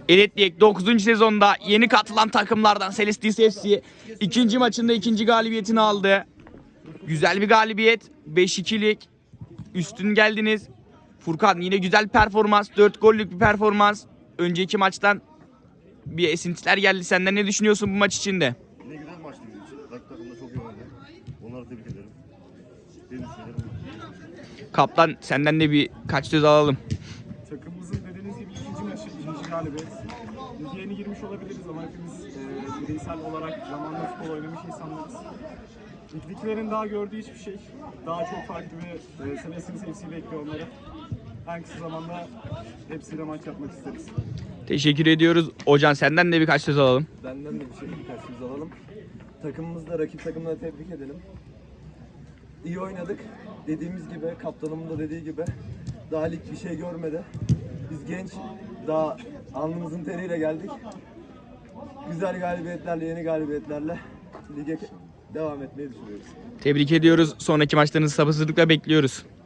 Elit Lig 9. sezonda yeni katılan takımlardan Celestis FC ikinci maçında ikinci galibiyetini aldı. Güzel bir galibiyet. 5-2'lik. Üstün geldiniz. Furkan yine güzel performans. 4 gollük bir performans. Önceki maçtan bir esintiler geldi. Senden ne düşünüyorsun bu maç içinde? Ne güzel maçtı bizim için. Rakip takım da çok iyi oynadı. Onları tebrik ederim. Benim düşüncelerim bu. Kaptan senden de bir kaç söz alalım. Takımımızın dediğiniz gibi ikinci maçı, ikinci galibiyet. Lige yeni girmiş olabiliriz ama hepimiz bireysel olarak zamanla futbol oynamış insanlarız. Ligdekilerin daha gördüğü hiçbir şey. Daha çok farklı bir Celestis FC bekliyor onları. En kısa zamanda hepsiyle maç yapmak isteriz. Teşekkür ediyoruz. Hocam senden de birkaç söz alalım. Benden de birkaç söz alalım. Takımımızda rakip takımları tebrik edelim. İyi oynadık. Dediğimiz gibi, kaptanımın da dediği gibi daha lig bir şey görmedi. Biz genç, daha alnımızın teriyle geldik. Güzel galibiyetlerle, yeni galibiyetlerle lige devam etmeyi düşünüyoruz. Tebrik ediyoruz. Sonraki maçlarınızı sabırsızlıkla bekliyoruz.